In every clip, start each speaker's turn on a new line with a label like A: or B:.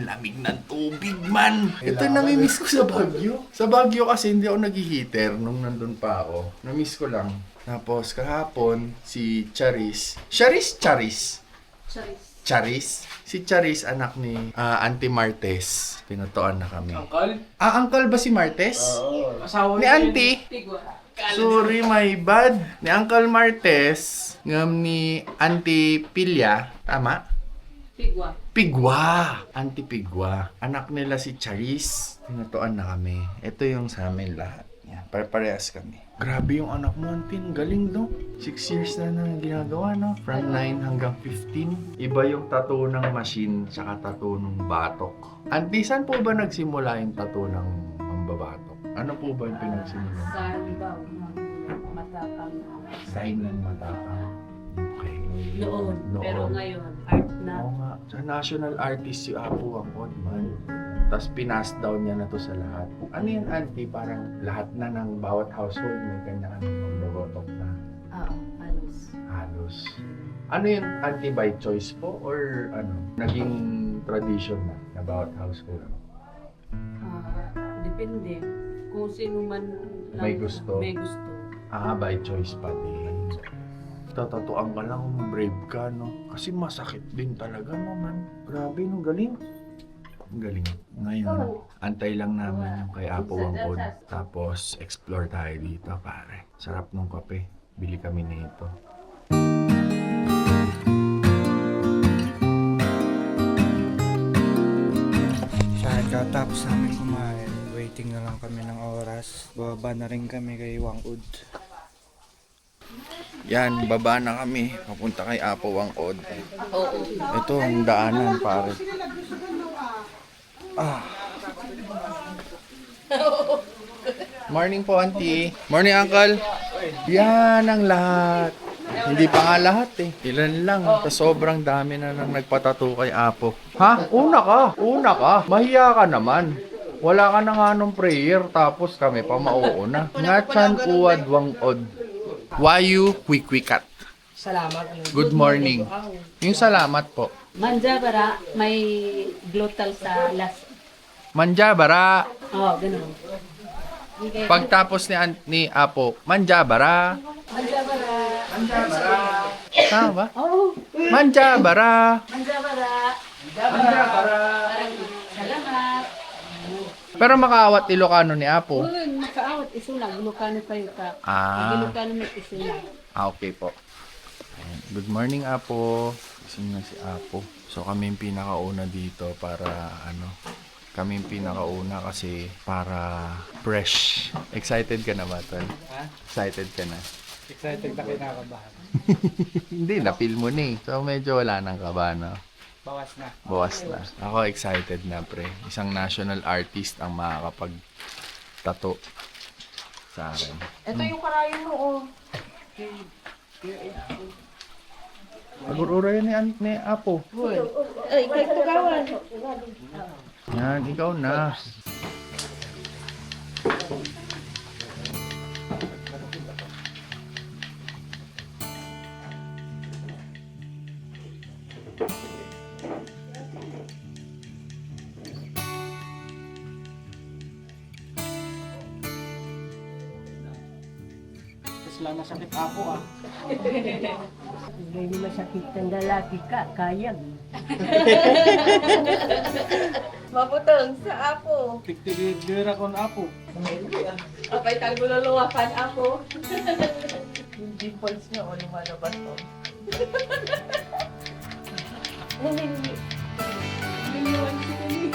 A: Ang lamig ng tubig, man. Ito nami-miss ko sa Baguio. Sa Baguio kasi hindi ako nag-heater nung nandun pa ako. Na-miss ko lang. Tapos kahapon, si Charis. Charis. Si Charis, anak ni Auntie Martes. Pinutuan na kami.
B: Uncle?
A: Uncle ba si Martes?
B: Oo. Asawa
A: Ni Auntie? Sorry, my bad. Ni Uncle Martes, ngam ni Auntie Pilya. Tama? Pigwa. Auntie Pigwa. Anak nila si Charis. Pinutuan na kami. Ito yung sa amin lahat. Yan, pare-parehas kami. Grabe yung anak mo, Auntie. Galing, no? 6 years na ginagawa, no? From 9 hanggang 15. Iba yung tattoo ng machine tsaka tattoo ng batok. Auntie, saan po ba nagsimula yung tattoo ng mambabatok? Ano po ba yung pinagsimula?
C: Sa libaw ng matapang
A: Sign ng matapang. Okay.
C: noon. Pero ngayon, art na.
A: Oo nga. Sa national artist si Apo ang man. Tapos pinas down niya na to sa lahat. Ano yun, Auntie? Parang lahat na ng bawat household may kanya-kanyang mambabatok na.
C: Halos.
A: Halos. Ano yun, Auntie, by choice po? Or ano, naging tradition na bawat household?
C: Depende. Kung sino man lang
A: May gusto.
C: May gusto.
A: By choice pa din. Tatatuan ka lang kung brave ka, no? Kasi masakit din talaga, no, man? Grabe, no? Galing. Ang galing. Ngayon, antay lang namin yung kay Apo Wangkod. Tapos, explore tayo dito, pare. Sarap nung kape. Bili kami nito.
B: Katapos namin kumain, waiting na lang kami ng oras. Bababa na rin kami kay Wangud.
A: Yan, baba na kami. Papunta kay Apo Wangkod. Ito ang daanan, pare. Morning po, Auntie. Morning, Uncle. Yan ang lahat. Hindi pa nga lahat eh. Ilan lang. Sobrang dami na nang nagpatato kay Apo. Ha? Una ka. Mahiya ka naman. Wala ka na nga nung prayer, tapos kami pa mauuna. Ngachan uwad wangod. Wayu kwikwikat.
C: Salamat.
A: Good morning. Yung salamat po.
C: Manjabara, may glottal sa last.
A: Manjabara.
C: Ganun.
A: Pagtapos ni Apo, Manjabara.
C: Manjabara.
A: Tama ba?
C: Manjabara.
A: Manjabara.
C: Parang salamat.
A: Pero makaawat Ilocano ni Apo.
C: Makaawat isulang. Ilocano kayo ka. Ilocano may isulang.
A: Okay po. Ayan. Good morning, Apo. Gising na si Apo. So kami yung pinakauna dito para kami yung pinakauna kasi para fresh. Excited ka na ba, Tol?
B: Ha?
A: Excited ka na?
B: Excited na kinakabahan.
A: Hindi, na-feel mo na eh. So medyo wala nang kaba, no?
B: Bawas na.
A: Bawas na. Ako excited na, pre. Isang national artist ang makakapag-tato sa akin.
C: Ito yung karayo mo,
A: Pag-urura yan ni Apo.
C: Ay, kahit tugawan.
A: Yan, ikaw na.
B: Tapos lang nasakit ako
C: Hindi masakit ng lalaki ka, kayag.
D: Maputong sa apo.
B: Tigtigidira ko na ako.
D: Apay tagululuwakan ako. Yung dimples niya o lumalabas to. Liliwan si Kali.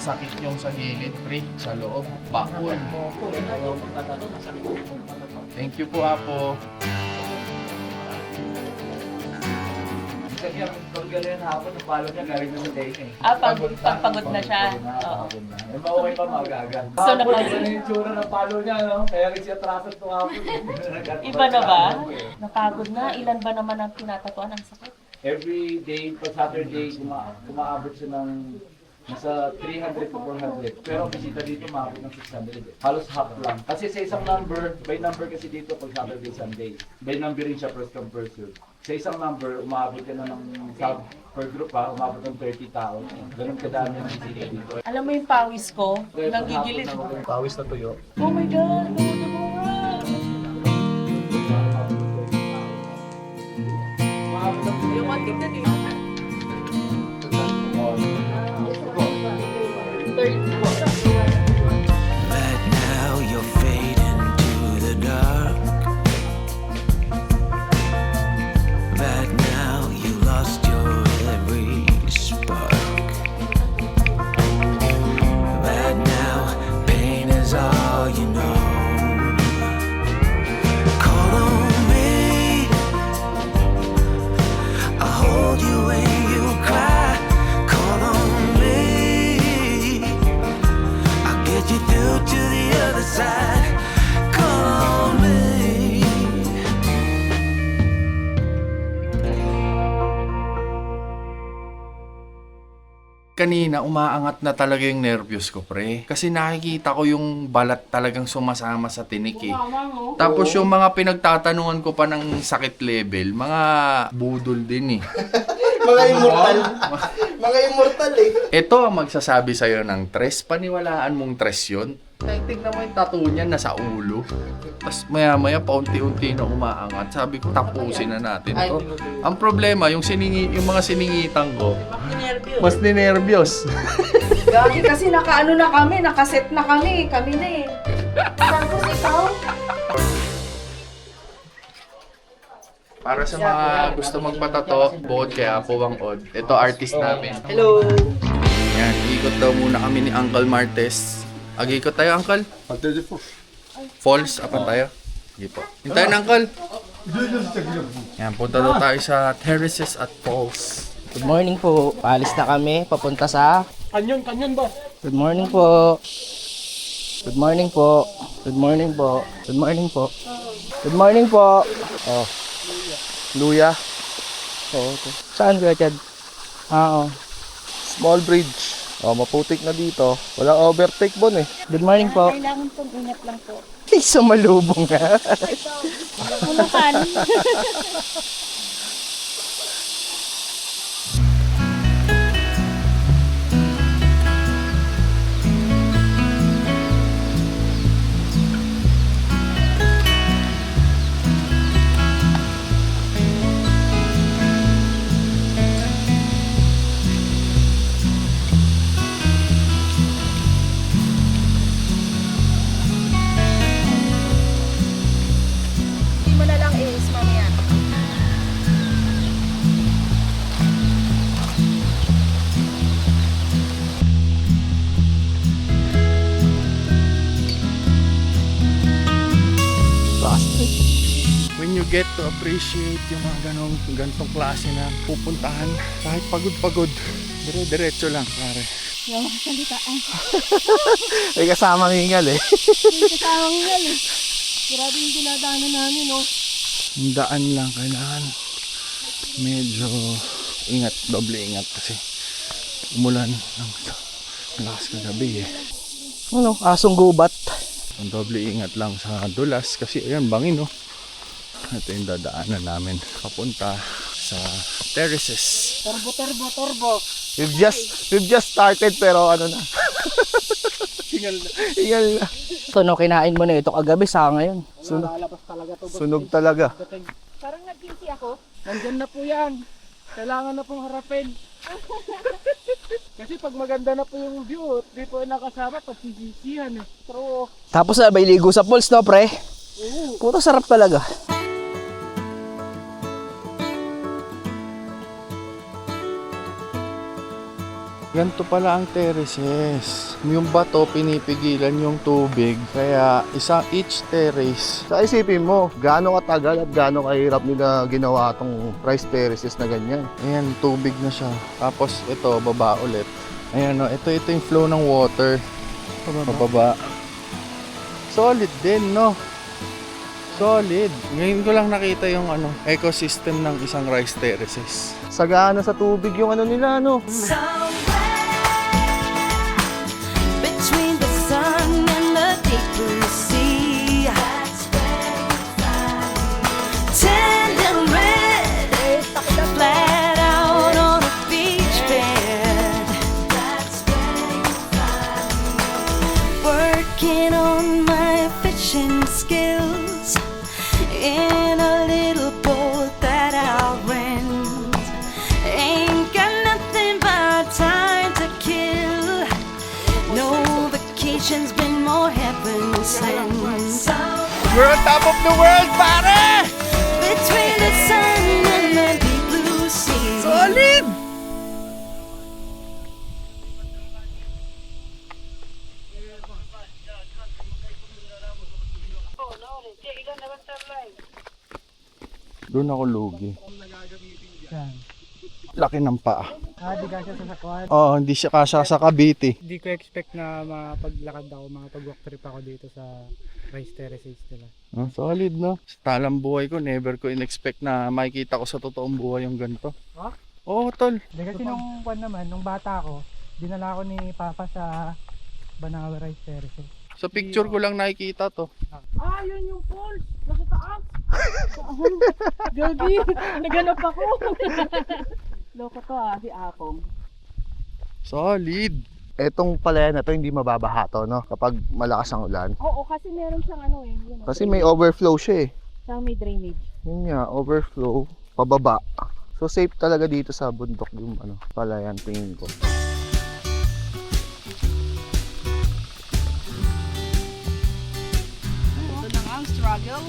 A: masakit yung sa gilid, pre. Sa loob. Bakul. Thank you po, Apo.
E: Kasi pag gano'n hapon, ang palo niya galing na sa day niya.
D: Pagpagod na siya. Oo.
E: Eh, okay pa magaga.
D: So,
E: Hapon,
D: napagod.
E: ganun yung tsura ng palo niya, no? Kaya rin siya traffic itong hapon.
D: Iba na ba? Napagod na. Ilan ba naman ang tinatatuan ang sakit?
E: Every day, pag Saturday, umaabot siya ng nasa 300 to 400. Pero ang bisita dito, maabot ng 600. Halos half lang. Kasi sa isang number, by number kasi dito pag Saturday, Sunday. By number rin siya first come first serve. Sa isang number, umaabot ka na ng sub per group ha, umaabot ng 30 tao. Ganun kadami ang bisita dito.
D: Alam mo yung pawis ko? Nanggigilid.
E: Pawis na tuyo.
D: Oh my God! Nagutom mo nga! Yung one tignan eh.
F: But now you're fading to the dark. But now you lost your every spark. But now pain is all you know. Call on me, I'll hold you when you cry. Call on me, I'll get you through to the other side. Call on me.
A: Kanina, umaangat na talaga yung nervyos ko, pre. Kasi nakikita ko yung balat talagang sumasama sa tinik eh. Tapos yung mga pinagtatanungan ko pa ng sakit level, mga budol din eh.
B: Mga immortal. Mga immortal eh.
A: Ito ang magsasabi sa'yo ng tres. Paniwalaan mong tres yun. Tignan mo yung tattoo niya nasa ulo. Tapos maya-maya paunti-unti na umaangat. Sabi ko, tapusin na natin to. Ang problema, yung mga siningitan ko, mas ninervyos.
C: Gagi kasi nakaano na kami, nakaset na kami. Kami na eh. Tapos ikaw?
A: Para sa mga gusto magpatato, bukod kay Apo Wang Od, ito artist namin.
B: Hello!
A: Yan, ikot daw muna kami ni Uncle Martes. Ag-ikot tayo, Uncle. Falls, apan tayo. Sige po. Hintayin, Uncle. Yan, punta daw tayo sa terraces at falls.
G: Good morning po. Paalis na kami. Papunta sa... Kanyon ba? Good morning po. Good morning po. Good morning po. Good morning po. Good morning po. Oh.
A: Luya.
G: Oo. Okay. Saan ka, Chad? Oo.
H: Small bridge. Oh, maputik na dito. Walang overtake bon eh.
G: Good morning po.
C: Kailangan pong ingat lang po.
G: Ay, sumalubong nga.
C: Ulukan.
A: When you get to appreciate yung mga ganitong klase na pupuntahan, kahit pagod-pagod, dire-diretso lang, pare.
C: Yung salitaan.
H: May kasamang hingal eh.
C: Yung kasawang yan eh. Grabe yung dinadaanan namin, no?
A: Yung daan lang, kailangan medyo ingat, doble ingat kasi umulan ng lakas kagabi eh.
G: Ano? Asong gubat.
A: Ang doble ingat lang sa dulas kasi ayan, bangin no. Ito yung dadaanan namin papunta sa terraces.
C: Turbo.
H: We've just started pero ano na. Hingal na.
G: Ito, no, kinain mo na ito kagabi sa ngayon.
H: Sunog talaga.
C: Parang nag-guilty ako.
I: Nandyan na po yan. Kailangan na pong harapin. Kasi pag maganda na po yung view, di po nakasama, pagsisisihan eh. Pero,
G: Tapos na, may ligo sa pools, no, pre? Puto sarap talaga.
A: Ganito pala ang terraces. Yung bato, pinipigilan yung tubig. Kaya, each terrace.
H: Sa isipin mo, gaano katagal at gaano kahirap nila ginawa tong rice terraces na ganyan.
A: Ayan, tubig na siya. Tapos, ito, baba ulit. Ayan, no? Ito yung flow ng water. Pababa. Solid din, no? Solid. Ngayon ko lang nakita yung ecosystem ng isang rice terraces.
H: Sagana sa tubig yung nila, no?
F: Between the sun and the deep blue sea, tender red, flat out on a beach bed, working on my fishing skills in a little boat that I'll rent. Ain't got nothing but time to kill. No vacation's been more heaven sent.
A: We're on top of the world, pare!
F: Between the sun and the deep blue sea.
A: Solid! Doon ako lugi. Laki ng paa.
I: Di kasi sa sakwan.
A: Oo, hindi siya kasya sa Cavite.
I: Hindi ko expect na mapaglakad ako, makapag-walk trip ako dito sa rice terraces nila.
A: Oh, solid, no? Sa talang buhay ko, never ko in-expect na makikita ko sa totoong buhay yung ganito.
I: Ha?
A: Oo, tol.
I: Hindi kasi nung bata ako, dinala ako ni Papa sa Banawa Rice Terraces.
A: Sa picture ko lang nakikita to.
D: Ah, yun yung falls. Nasa taas. Gabi, naganap ako. Loko to si Akong.
A: Solid.
H: Etong palayan na to hindi mababaha to, no? Kapag malakas ang ulan.
D: Oo, kasi meron siyang yun,
H: Kasi may overflow siya eh.
D: siyang may drainage.
H: Yun nga, overflow, pababa. So safe talaga dito sa bundok yung palayan tingin ko.
C: Ito na nga ang struggle.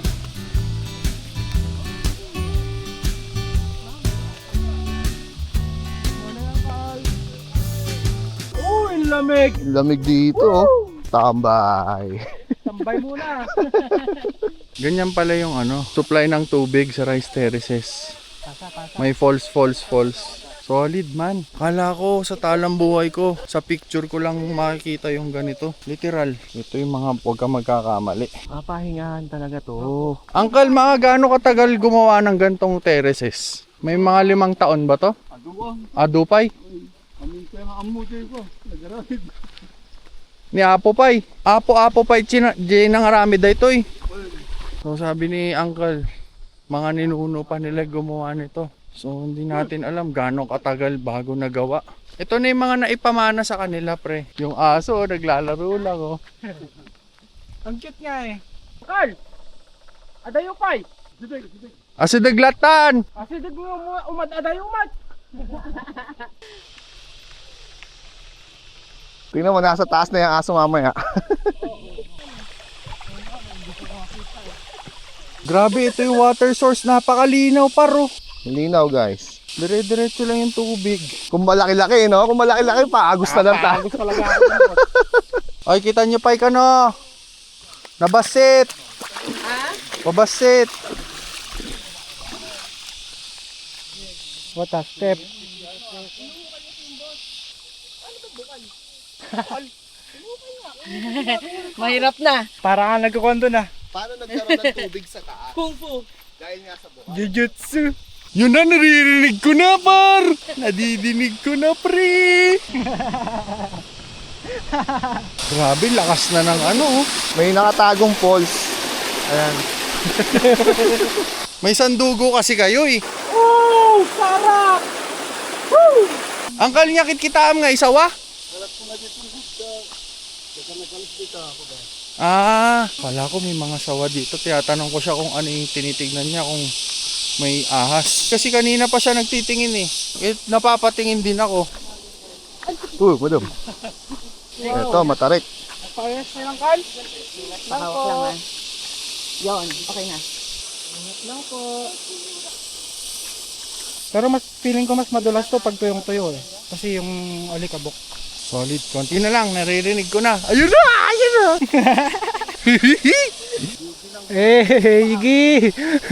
I: Oh, ang lamig!
H: Lamig dito, oh. Tambay.
I: Tambay muna!
A: Ganyan pala yung supply ng tubig sa rice terraces. May falls. Solid man. Kala ko sa talang buhay ko, sa picture ko lang makikita yung ganito. Literal. Ito yung mga huwag kang magkakamali.
H: Papahingahan talaga to.
A: Uncle, mga gaano katagal gumawa ng gantong terraces? May mga 5 taon ba to? Adupay? Ni Apo Pay. Apo Pay, nangarami da ito eh. So sabi ni Uncle, mga ninuno pa nila gumawa nito. So hindi natin alam gaano katagal bago nagawa. Ito na yung mga naipamana sa kanila, pre. Yung aso, naglalaro lang, oh.
I: Ang cute nga eh. Carl! Adayo pay!
A: Aso daglatan!
I: Kasi dag mo adayo umat!
H: Tingnan mo, nasa taas na yung aso mamaya.
A: Grabe, ito yung water source. Napakalinaw, paro.
H: Linaw, guys.
A: Dire-diretso lang yung tubig.
H: Kung malaki-laki, no? Kung malaki-laki, paagos na lang tayo.
A: Ay, kita nyo pa no? Nabasit! Ha? Pabasit!
I: What a step!
C: Mahirap na.
I: Para nga nagkukwento na.
H: Paano nagkaroon ng tubig sa taas?
D: Kung fu.
H: Dahil nga sa buhay.
I: Jujutsu!
A: Yun na, naririnig ko na, par! Nadidinig ko na, pre! Grabe, lakas na ng oh.
H: May nakatagong falls. Ayan.
A: May sandugo kasi kayo eh.
I: Oh! Sarap! Woo!
A: Angkal niya kitkitaan nga isawa? Kala ko may mga sawa dito. Tiyatanong ko siya kung ano yung tinitignan niya, kung may ahas. Kasi kanina pa siya nagtitingin eh. Napapatingin din ako.
H: Madam. Ito, matarik.
I: Parehas na lang, Carl.
C: Hawak lang Yon, okay na.
I: Lang po. Pero mas feeling ko mas madulas to pag tuyong tuyo eh.
B: Kasi yung alikabok.
A: Solid. Konti na lang. Naririnig ko na. Ayun na! Ayun na!
B: Higi!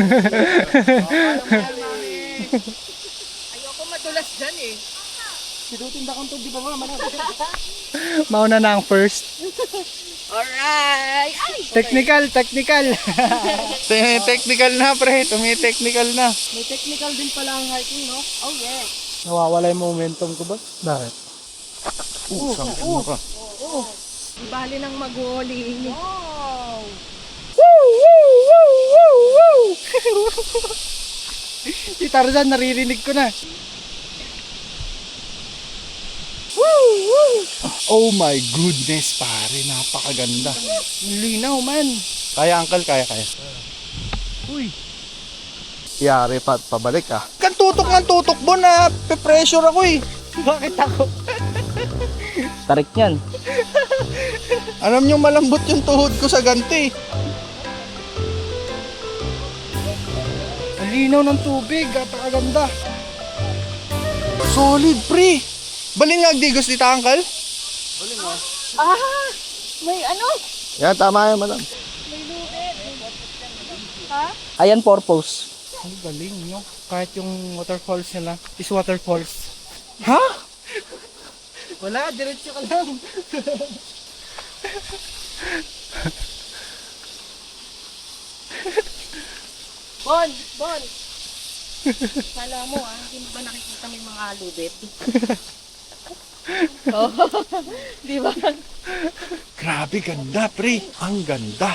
D: Ayoko madulas dyan eh.
I: Sinutinda kong tubig pa mama.
B: Mauna na ang first.
D: Alright! Ay!
B: Technical.
A: Technical na, pre. Tumi-technical na.
I: May technical din pala ang hiking, no?
D: Oh yes!
B: Nawawala yung momentum ko ba? Bakit?
A: Sampo ka.
C: Di bali ng mag-walling.
D: Wow!
B: Si Tarzan, naririnig ko na.
A: Oh my goodness, pare. Napakaganda.
B: Linaw man.
A: Kaya, uncle. Kaya.
B: Uy.
H: Yari pa, pabalik ah.
A: Kan tutok ng tutok mo na pe-pressure ako eh.
B: Bakit ako?
G: Tarik niyan.
A: Alam nyo, malambot yung tuhod ko sa ganti.
B: Ang linaw ng tubig. Napakaganda.
A: Solid, pre. Balin nga agdigos dito, uncle.
D: Ah! May ano?
H: Yan, tama yan, madam.
D: May lubid.
G: Ayan, purpose.
B: Ang galing, no? Kahit yung waterfalls nila is waterfalls.
A: Ha?
B: Wala, diretso ka lang.
D: Bon! Kala mo hindi mo ba nakikita may mga lubid? Oh, di ba?
A: Grabe, ganda, pre. Ang ganda.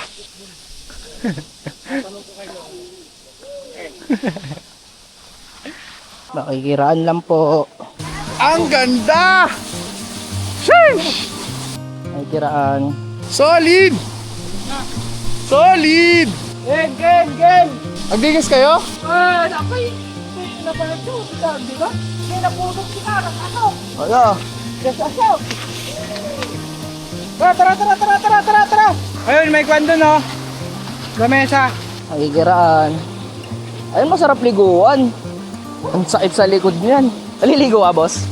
G: Makikiraan lang po.
A: Ang ganda! Sheesh!
G: Makikiraan.
A: Solid! Solid!
I: Gen!
A: Agdigos kayo?
I: Napay! Napay ito, di ba? May napulog si Karang, ano?
H: Wala.
B: Tara! Ayun, may kwan doon, no? Lamesa.
G: Makikiraan. Ayun, masarap liguan. Ang sakit sa likod niyan. Naliligo ka, boss?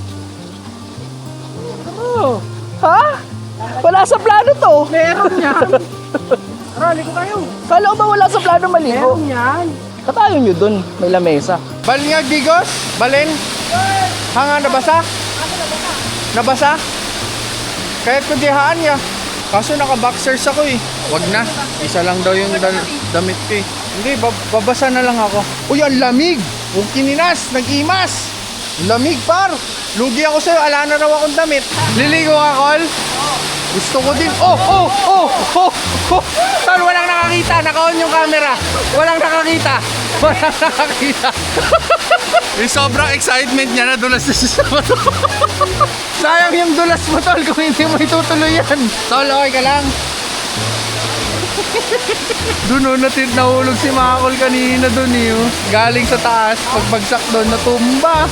I: Oo,
G: Ha? Wala sa plano to.
I: meron yan. Tara, ligo tayo.
G: Kala ko ba wala sa plano maligo?
I: Meron yan.
G: Katayo nyo dun. May lamesa.
A: Balin nga agdigos? Balin? Hanga, nabasa? Nabasa? Kahit kudihaan niya. Kaso naka-boxers ako eh. Wag na. Isa lang daw yung damit ko eh. Hindi, babasa na lang ako. Uy, ang lamig! Kung kininas, nag-imas! Lamig, par! Lugi ako sa'yo, ala na raw akong damit. Liligo ka, Col? Gusto ko din. Oh! Tol, walang nakakita. Naka-on yung camera. Walang nakakita. Yung sobrang excitement niya na dulas na siya sa bato. Sayang yung dulas mo, Tol, kung hindi mo itutuloy yan. Tol, okay ka lang? Doon nahulog si Makakol kanina doon eh. Galing sa taas, pagbagsak doon, natumba.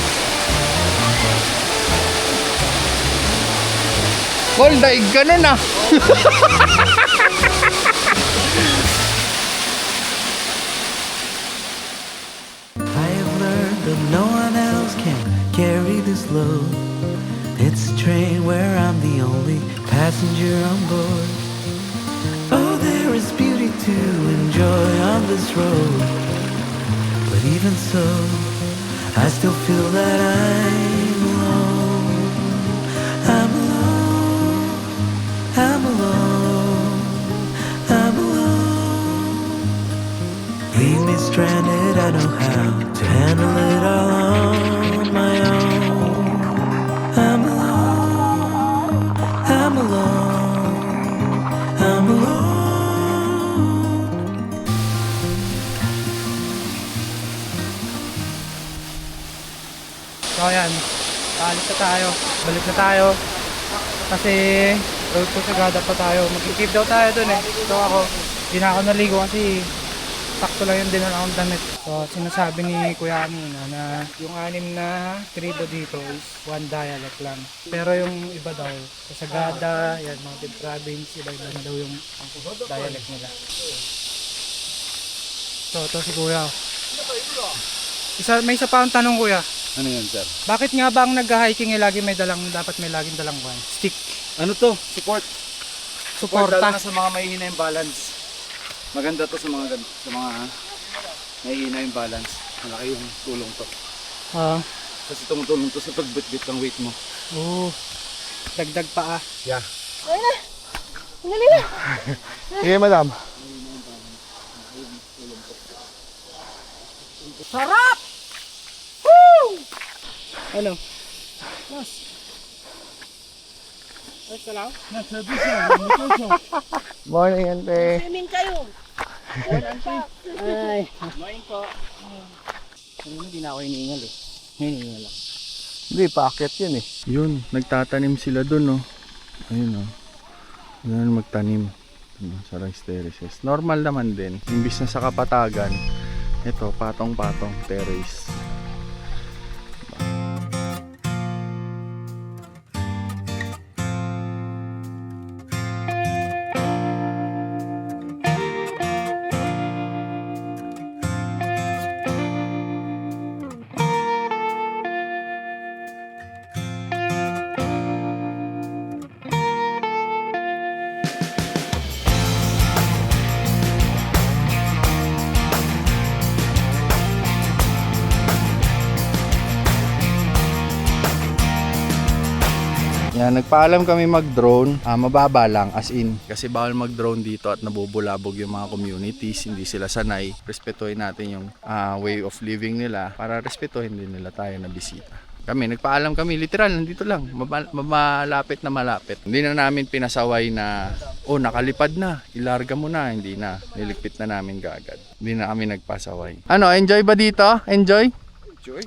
A: Kol, daig ka nun ah.
J: I have learned that no one else can carry this load. It's a train where I'm the only passenger on board. Oh, there is beauty to enjoy on this road. But even so, I still feel that I'm alone. I'm alone. I'm alone. I'm alone. Leave me stranded, I know how to handle it all on my own. I'm alone. I'm alone. I'm alone.
B: So ayan, paalis na tayo. Balik na tayo. Kasi road to Sagada pa tayo. Mag-keep daw tayo dun eh. So ako, di na ako naligo kasi sakto lang yung dinala akong damit. So sinasabi ni Kuya kanina na yung 6 na tribo dito is one dialect lang. Pero yung iba daw, sa Sagada, yan, Mountain Province, iba-iba na daw yung dialect nila. So ito si Kuya. May isa pa ang tanong, Kuya.
E: Ano yan, sir?
B: Bakit nga ba ang nag-hiking lagi dapat may laging dalang stick?
E: Ano to? Support.
B: Suporta.
E: Lalo na sa mga mahihina yung balance. Maganda to sa mga mahihina yung balance. Malaki yung tulong to. Kasi tumutulong to sa pagbitbit ng weight mo.
B: Dagdag pa ah.
H: Yeah. Sige, madam.
B: Sarap! Woo! Ano?
H: Morning, ante.
C: Swimming kayo.
B: Ay. Morning po. Hindi na ako iniingal eh. Iniingal ako.
H: Hindi, paakyat yun eh.
A: Yun, nagtatanim sila dun, oh. Ayun, oh. Ayun, magtanim. Sa rice terraces. Normal naman din. Imbis na sa kapatagan, ito, patong-patong terrace. Yan, nagpaalam kami mag-drone, mababa lang as in kasi bawal mag-drone dito at nabubulabog yung mga communities, hindi sila sanay. Respetuhin natin yung way of living nila para respetuhin din nila tayo na bisita. Kami, nagpaalam kami, literal, nandito lang, malapit na malapit. Hindi na namin pinasaway na, nakalipad na, ilarga mo na, hindi na, niligpit na namin kaagad. Hindi na kami nagpasaway. Ano, enjoy ba dito? Enjoy?
E: Enjoy?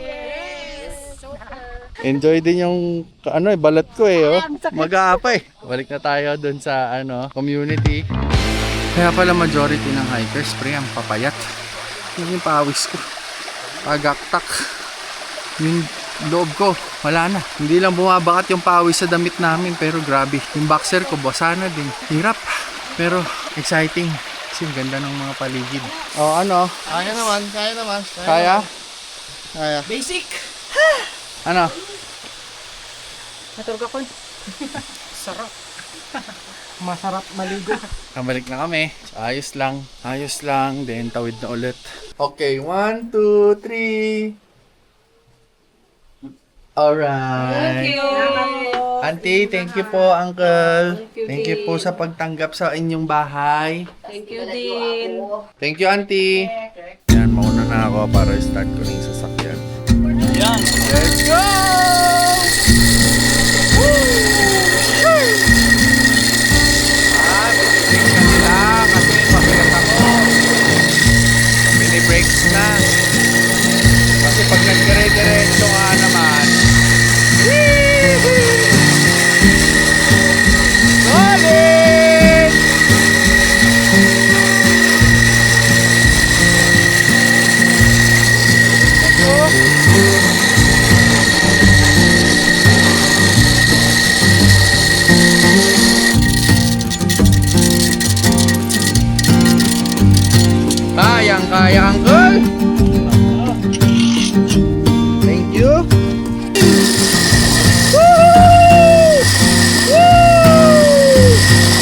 A: Enjoy din yung balat ko oh. Mag-aapa eh. Balik na tayo dun sa community. Kaya pala majority ng hikers pre ang papayat. Yun yung pawis ko. Pagaktak. Yung loob ko, wala na. Hindi lang bumabakat yung pawis sa damit namin pero grabe. Yung boxer ko basa na din. Hirap. Pero exciting. Kasi ganda ng mga paligid.
H: Kaya naman.
A: Kaya?
B: Basic!
A: Ano?
B: Natulog ako. Sarap. Masarap maligo.
A: Kabalik na kami. Ayos lang. Then tawid na ulit. Okay, 1, 2, 3. Alright.
C: Thank you.
A: Auntie, thank you po, Uncle. Thank you po sa pagtanggap sa inyong bahay.
C: Thank you din.
A: Thank you, Auntie. Yan, mauna na ako para start ko na yung sasakyan. Yan. Let's go! Mini-brakes na nila kasi mabigat ako. Mini-brakes na. Kasi pag nagdire-diretso ka naman, solid! Kayang-kaya, Uncle. Thank you. Woo! Woo!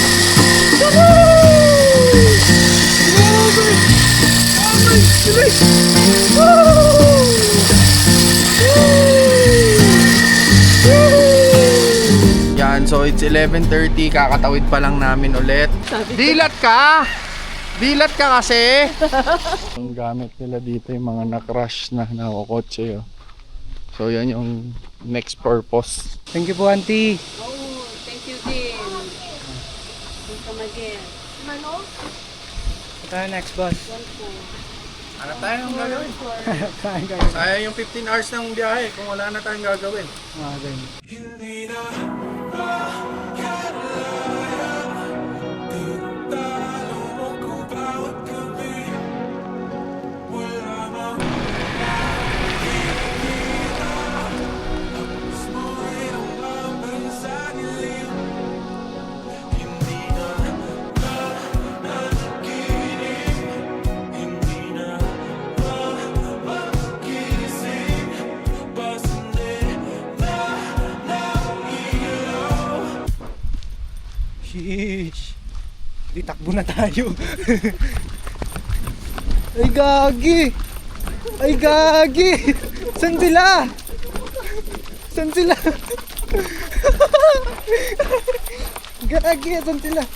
A: Yan, so it's 11:30, kakatawid pa lang namin ulit. Dilat ka! Dilat ka kasi! Ang gamit nila dito yung mga na-crash na nakokotse. So yan yung next purpose.
B: Thank you po, Auntie.
C: Thank you din. Welcome again. Mano?
B: Ito tayo next, boss.
A: Hanap tayo ng gagawin. Sayang yung 15 hours ng biyahe kung wala na tayong gagawin.
B: Sheesh. Di takbo na tayo. Ay gagi. Ay gagi. San sila? San sila? Gagi, san sila?